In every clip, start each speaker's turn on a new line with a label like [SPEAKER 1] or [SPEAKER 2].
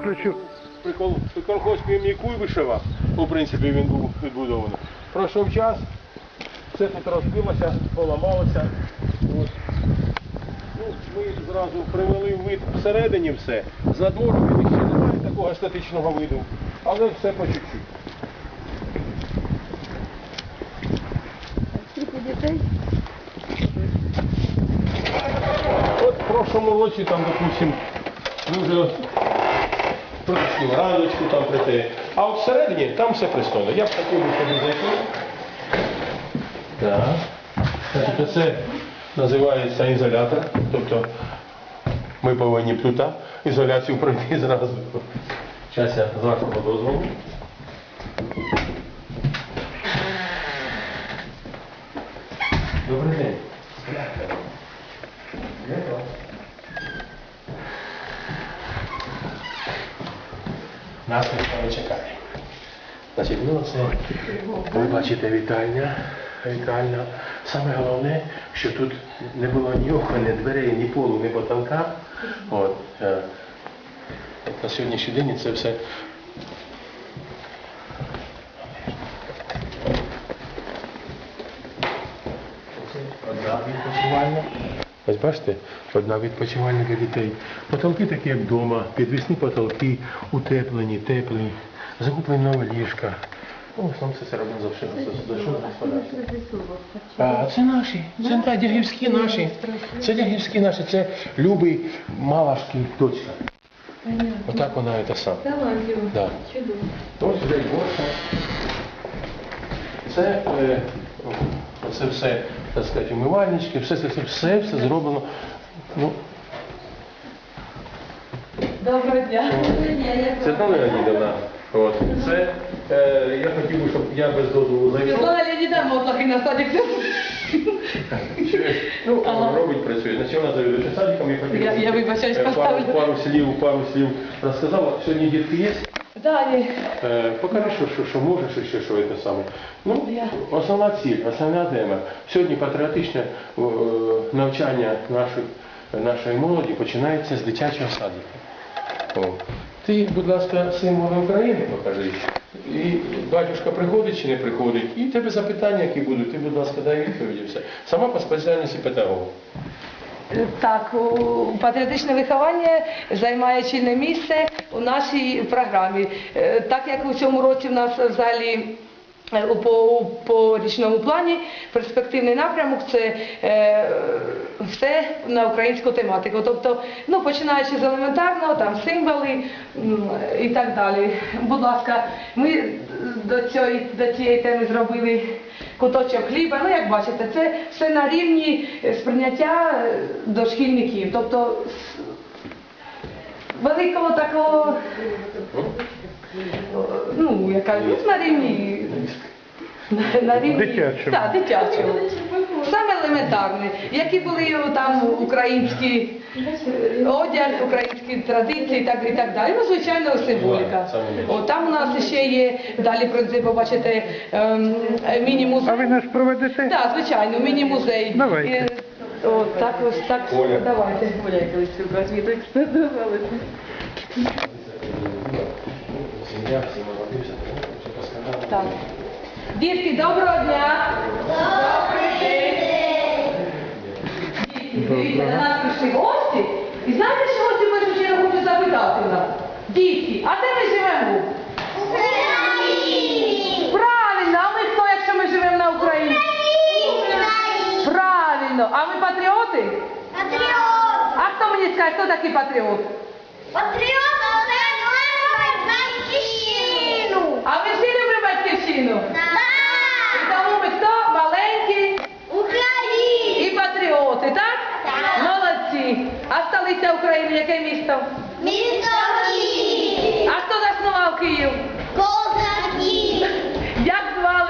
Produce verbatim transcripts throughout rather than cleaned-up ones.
[SPEAKER 1] включу.
[SPEAKER 2] При колхозському імені Куйбишева, у принципі, він був відбудований. Пройшов час, все тут розбилося, поламалося. Ось. Ну, ми зразу привели вид всередині все. За двором він ще немає такого статичного виду, але все по чуть-чуть.
[SPEAKER 3] Скільки дітей?
[SPEAKER 2] От в прошлому році, там, допустим, ми вже прийшли раночку там прийти. А от всередині там все пристойно. Я б хотів би сюди зайти. Так. Значить, це називається ізолятор. Тобто ми повинні тут ізоляцію пройти зразу. Зараз я з вашого дозволу. Добрий день. Нас ніхто не чекає. Значить, ну це, ви бачите, вітальня. Вітальня. Саме головне, що тут не було ні окон, ні дверей, ні полу, ні потолка. От, е, на сьогоднішній день це все. Це одна відпочивальня. Ось бачите, одна відпочивальня для дітей. Потолки такі, як вдома, підвісні потолки, утеплені, теплі, закуплені нові ліжка. Ну, сам все це робимо завжди господарство. А це наші, це так, дягівські наші. Це дягівські наші, це Любий Малашкий дочка. Отак вона це сам. Да. Ось сюди борща. Це, е, це все, так сказати, умивальнички, все, все, все, все зроблено. Ну,
[SPEAKER 3] Доброго дня.
[SPEAKER 2] це Світлана Леонідовна. От. Це, е, я хотів би, щоб я без дозволу зайшов.
[SPEAKER 3] Світлана Леонідовна, мотлахи на садик.
[SPEAKER 2] Ну, ага. Робить, працює. Значить, вона завідує садиком, я хотів,
[SPEAKER 3] Я, я вибачаюсь,
[SPEAKER 2] пару,
[SPEAKER 3] поставлю.
[SPEAKER 2] пару слів, пару слів розказала. Сьогодні дітки є?
[SPEAKER 3] Да, є.
[SPEAKER 2] Е, покажи, що, що, що можеш і ще що це саме. Ну,
[SPEAKER 3] Я.
[SPEAKER 2] основна ціль, основна тема. Сьогодні патріотичне е, навчання нашої, нашої молоді починається з дитячого садика. О. Ти, будь ласка, символи України покажи. І батюшка приходить чи не приходить, і тебе запитання, які будуть, ти, будь ласка, дай відповіді все. Сама по спеціальності педагога.
[SPEAKER 3] Так, у- патріотичне виховання займає чільне місце у нашій програмі. Е, Так як у цьому році в нас взагалі е, у- по, по річному плані перспективний напрямок це е, все на українську тематику. Тобто, ну, починаючи з елементарного, там символи м, і так далі. Будь ласка, ми до цієї, до цієї теми зробили куточок хліба. Ну, як бачите, це все на рівні сприйняття дошкільників. Тобто с- великого такого, ну, яка ну, на рівні. На, на рівні
[SPEAKER 1] Дитячому.
[SPEAKER 3] Так, дитячому. Саме елементарне. Які були там українські е, одяг, українські традиції і так, і так далі. Ну, звичайно, символіка. О, там у нас ще є далі, принцип, бачите, ем, міні-музей.
[SPEAKER 1] А ви нас проведете?
[SPEAKER 3] Так, звичайно, міні-музей.
[SPEAKER 1] Давайте.
[SPEAKER 3] Е, О, так ось, так,
[SPEAKER 2] Оля.
[SPEAKER 3] давайте. Оля, колись розвідують.
[SPEAKER 2] Сім'я, всі молоді, все розказали.
[SPEAKER 3] Так. Дітки, доброго дня! Добрий день! Дітки, дивіться, до нас прийшли гості. І знаєте, що гості в першу чергу хочу запитати у нас? Дітки, а де ми живемо?
[SPEAKER 4] В Україні!
[SPEAKER 3] Правильно, а ми хто, якщо ми живемо на Україні?
[SPEAKER 4] Україні!
[SPEAKER 3] Правильно, а ми патріоти?
[SPEAKER 4] Патріот!
[SPEAKER 3] А хто мені скаже, хто такий патріот?
[SPEAKER 4] Патріот – це любить батьківщину!
[SPEAKER 3] А ви всі любите батьківщину? І
[SPEAKER 4] Так!
[SPEAKER 3] тому ми хто? Маленькі
[SPEAKER 4] Україна!
[SPEAKER 3] і патріоти, так?
[SPEAKER 4] Так.
[SPEAKER 3] Молодці. А столиця України, яке місто?
[SPEAKER 4] Місто Київ!
[SPEAKER 3] А хто заснував Київ?
[SPEAKER 4] Козаки!
[SPEAKER 3] Як звали?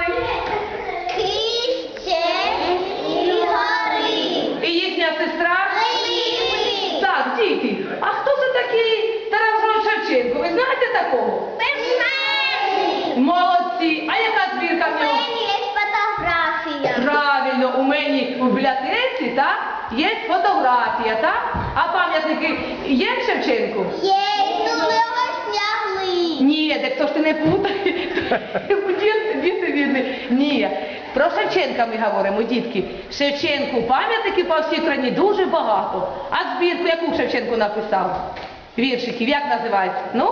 [SPEAKER 4] Кище і гори!
[SPEAKER 3] І їхня сестра?
[SPEAKER 4] Липи!
[SPEAKER 3] Так, діти. А хто це такий Тарас Григорович Шевченко? Ви знаєте такого?
[SPEAKER 4] Письменник!
[SPEAKER 3] Молодці. А яка збірка в
[SPEAKER 4] У
[SPEAKER 3] нього?
[SPEAKER 4] мене є фотографія.
[SPEAKER 3] Правильно, у мені у бібліотеці, так? Є фотографія, так? А пам'ятники є Шевченку?
[SPEAKER 4] Є, ну ми його
[SPEAKER 3] то ж ти не путай. Діти, діти бідні. Ні. Про Шевченка ми говоримо, дітки. Шевченку пам'ятників по всій країні дуже багато. А збірку яку Шевченко написав? Віршиків, як називається? Ну?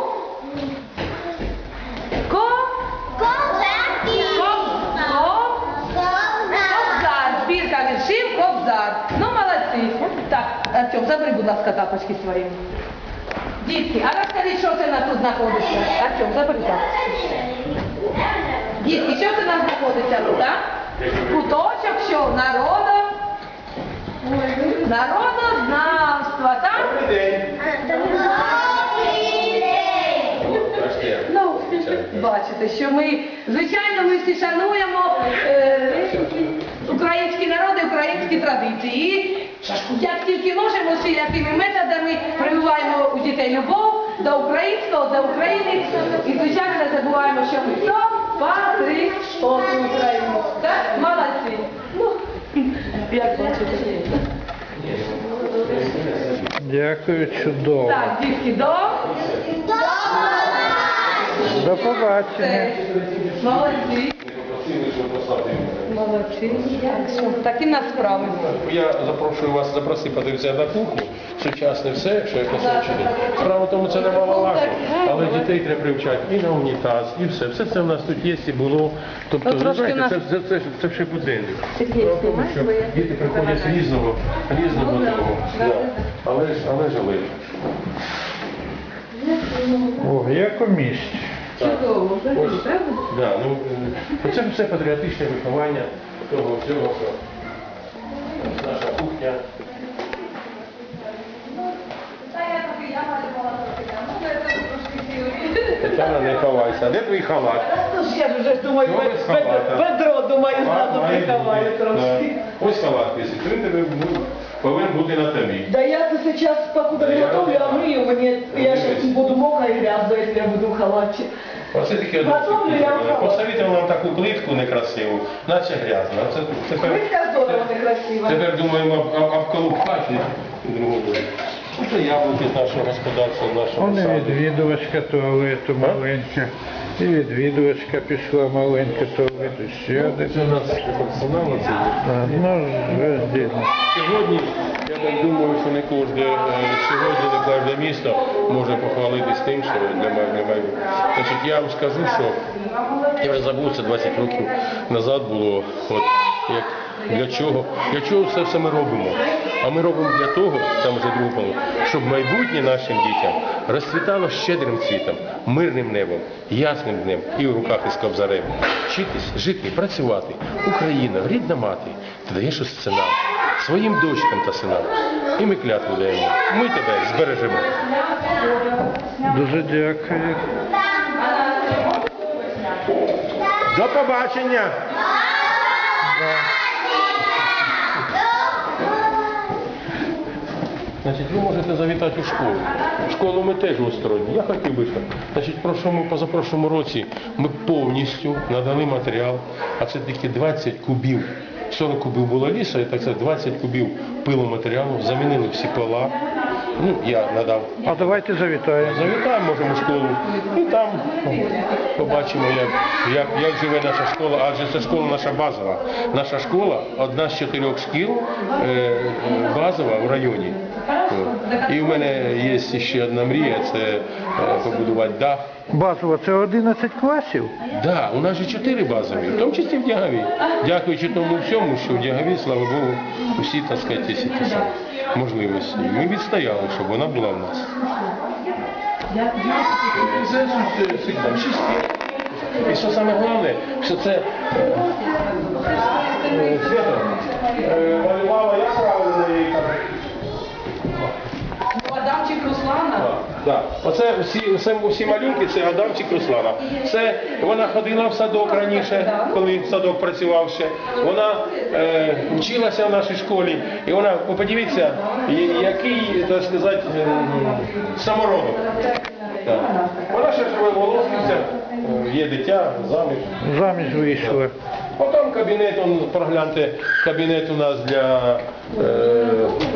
[SPEAKER 3] Ко?
[SPEAKER 4] Козаки.
[SPEAKER 3] Коб- Коб- Кобзар. Збірка віршів Кобзар. Ну, молодці. Так, Артем, забери, будь ласка, тапочки свої. Дітки, а розкажіть, що це у нас тут знаходиться? Артем, забери тапочки. Дітки, що це у нас знаходиться тут, а? Куточок, що? Народо? Народознавства, так? Ну, бачите, що ми, звичайно, ми всі шануємо е, українські народи, українські традиції. І як тільки можемо, всілякими методами прививаємо у дітей любов до українського, до України. І, звичайно, не забуваємо, що ми хто? Патріоти України. Так? Молодці. Ну, як бачите.
[SPEAKER 1] Дякую, чудово.
[SPEAKER 3] Так, дітки, до.
[SPEAKER 1] До побачення.
[SPEAKER 3] Молодці. Молодці. Так, що, такі в нас справи.
[SPEAKER 2] Я запрошую вас запросити подивитися на кухню, сучасне все, що я вчити. Справа в тому, це немаловажно, але дітей треба привчати і на унітаз, і все. Все це в нас тут є і було. Тобто,
[SPEAKER 3] Ну,
[SPEAKER 2] ви
[SPEAKER 3] трошки
[SPEAKER 2] знаєте,
[SPEAKER 3] нас-
[SPEAKER 2] це, це, це, це ще буденник.
[SPEAKER 3] Сергій,
[SPEAKER 2] Справа в тому,
[SPEAKER 3] знімаєш,
[SPEAKER 2] що
[SPEAKER 3] бо я-
[SPEAKER 2] діти приходять з різного, різного
[SPEAKER 3] Ну, да.
[SPEAKER 2] того.
[SPEAKER 3] Да.
[SPEAKER 2] Да. Але ж, але ж, але ж.
[SPEAKER 1] О, як у місті.
[SPEAKER 3] Чудово,
[SPEAKER 2] Ось.
[SPEAKER 3] правда?
[SPEAKER 2] Да, ну, е, це все патріотичне виховання того всього, що наша кухня. Тетяна, не ховайся. Де твій халат?
[SPEAKER 3] Ну, ж я ж вже думаю,
[SPEAKER 2] Ну, без халата.
[SPEAKER 3] Петро, думаю, зразу
[SPEAKER 2] Має
[SPEAKER 3] приховаю
[SPEAKER 2] бути.
[SPEAKER 3] трошки.
[SPEAKER 2] Да. Ось халат висить. Він тебе ну, повинен бути на тобі.
[SPEAKER 3] Да я тут сейчас, покуда
[SPEAKER 2] Да я-
[SPEAKER 3] готовлю, а мою мне, я сейчас буду мокрая и грязная, если я буду в халате.
[SPEAKER 2] Оце таке
[SPEAKER 3] Готовлю я халат.
[SPEAKER 2] посовітував нам таку плитку некрасиву, наче грязна. Це тепер,
[SPEAKER 3] Плитка здорово, некрасиво.
[SPEAKER 2] тепер думаємо об- об- обколупати другу. Це яблуки з нашого господарства, з нашого
[SPEAKER 1] Вон і
[SPEAKER 2] саду.
[SPEAKER 1] відвідувачка туалету маленька. І відвідувачка пішла маленька туалету. Ще один.
[SPEAKER 2] Це у нас персонал це є.
[SPEAKER 1] А, ну, роздільно.
[SPEAKER 2] Сьогодні, я так думаю, що не кожне, е, сьогодні не кожне місто може похвалитись тим, що немає, немає. Значить, я вам скажу, що я вже забув, це двадцять років назад було, от, як, для чого, для чого це все ми робимо. А ми робимо для того, там вже друге було, щоб майбутнє нашим дітям розцвітало щедрим цвітом, мирним небом, ясним днем і в руках із кобзарем. Вчитись, жити, працювати. Україна, рідна мати, ти даєш у сценар своїм дочкам та синам. І ми клятву даємо. Ми тебе збережемо.
[SPEAKER 1] Дуже дякую.
[SPEAKER 2] До побачення! Значить, ви можете завітати у школу. Школу ми теж устроїмо. Я хотів би, щоб. Значить, в прошлому, позапрошлому році ми повністю надали матеріал, а це тільки двадцять кубів. сорок кубів було лісу, і так це двадцять кубів пиломатеріалу, замінили всі пола. Ну, я надав.
[SPEAKER 1] А давайте завітаємо.
[SPEAKER 2] Завітаємо, можемо в школу, і там побачимо, як, як, як живе наша школа, адже це школа наша базова. Наша школа одна з чотирьох шкіл е, е, базова в районі. От. І в мене є ще одна мрія, це е, побудувати дах.
[SPEAKER 1] Базово, це одинадцять класів?
[SPEAKER 2] Да, у нас же чотири базові, в тому числі в Дягаві. Дякуючи тому всьому, що в Дягаві, слава Богу, усі, так сказати, ці ті самі можливості. Ми відстояли, щоб вона була в нас. Це там шість. І що саме головне, що це е, е, Свято е, малювала, як правильно її кажуть.
[SPEAKER 3] Адамчик Руслана.
[SPEAKER 2] Да. Оце всі, всі, всі малюнки, це Адамчик Руслана. Це вона ходила в садок раніше, коли садок працював ще. Вона е, вчилася в нашій школі. І вона, ви подивіться, я- який, так сказати, е, самородок. Так. Вона ще живе волосниця, є дитя, заміж.
[SPEAKER 1] Заміж вийшли.
[SPEAKER 2] Потім кабінет, он, прогляньте, кабінет у нас для е,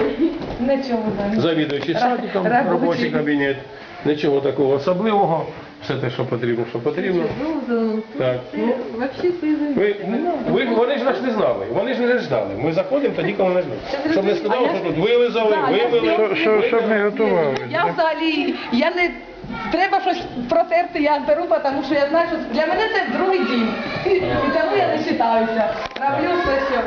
[SPEAKER 3] Нічого, да.
[SPEAKER 2] завідуючий садиком,
[SPEAKER 3] Робочий.
[SPEAKER 2] робочий кабінет. Нічого такого особливого. все те, що потрібно, що потрібно. Так. Ну,
[SPEAKER 3] Вообще сизий.
[SPEAKER 2] ви, ви, вони ж нас не знали, вони ж не ждали. Ми заходимо тоді, коли не ждуть. Щоб не сказали, що тут вилизали,
[SPEAKER 3] Да, я
[SPEAKER 2] вивели.
[SPEAKER 1] Що- що- Щоб не готували.
[SPEAKER 3] Я взагалі, я не треба щось протерти, я беру, тому що я знаю, що для мене це другий дім. І тому я не читаюся. Роблю все, що.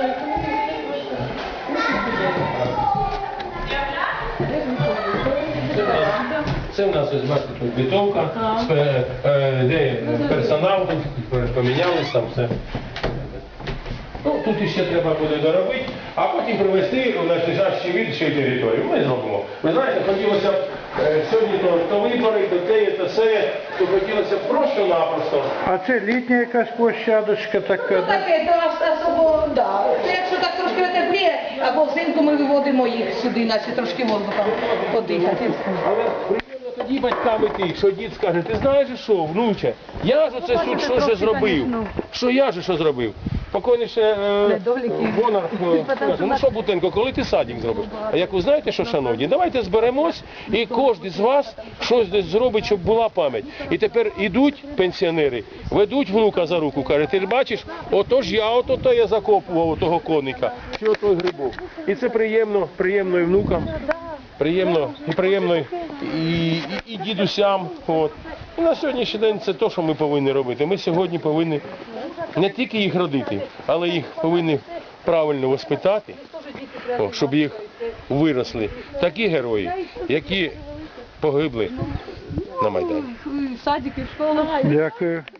[SPEAKER 2] Це в нас, ось бачите, тут бітовка, спе- е, де персонал, тут помінялись там все. Ну, тут іще треба буде доробити, а потім привезти у надлежащий від ще й територію. Ми зробимо. Ви знаєте, хотілося б е, сьогодні то, то вибори, то те, то все, то хотілося б просто-напросто.
[SPEAKER 1] А це літня якась площадочка така,
[SPEAKER 3] Ну
[SPEAKER 1] да?
[SPEAKER 3] таке, то особо, да. Це якщо так трошки тепліє, або взимку ми виводимо їх сюди, наче трошки воздухом подихати.
[SPEAKER 2] Але приємно тоді батькам іти, що дід скаже, ти знаєш що, внуче, я ж оце тут що ж зробив, що я ж що зробив. Покойніше е,
[SPEAKER 3] Недоліки.
[SPEAKER 2] Бонар е, каже, ну що, Бутенко, коли ти садик зробиш? А як ви знаєте, що, шановні, давайте зберемось і кожен з вас щось десь зробить, щоб була пам'ять. І тепер ідуть пенсіонери, ведуть внука за руку, каже, ти бачиш, отож я, ото я закопував того коника, чи отой грибок. І це приємно, приємно і внукам. Приємно і приємно і, і, і дідусям. От. І на сьогоднішній день це те, що ми повинні робити. Ми сьогодні повинні не тільки їх родити, але їх повинні правильно воспитати, о, щоб їх виросли такі герої, які погибли на Майдані.
[SPEAKER 3] Садики, школа.
[SPEAKER 1] Дякую.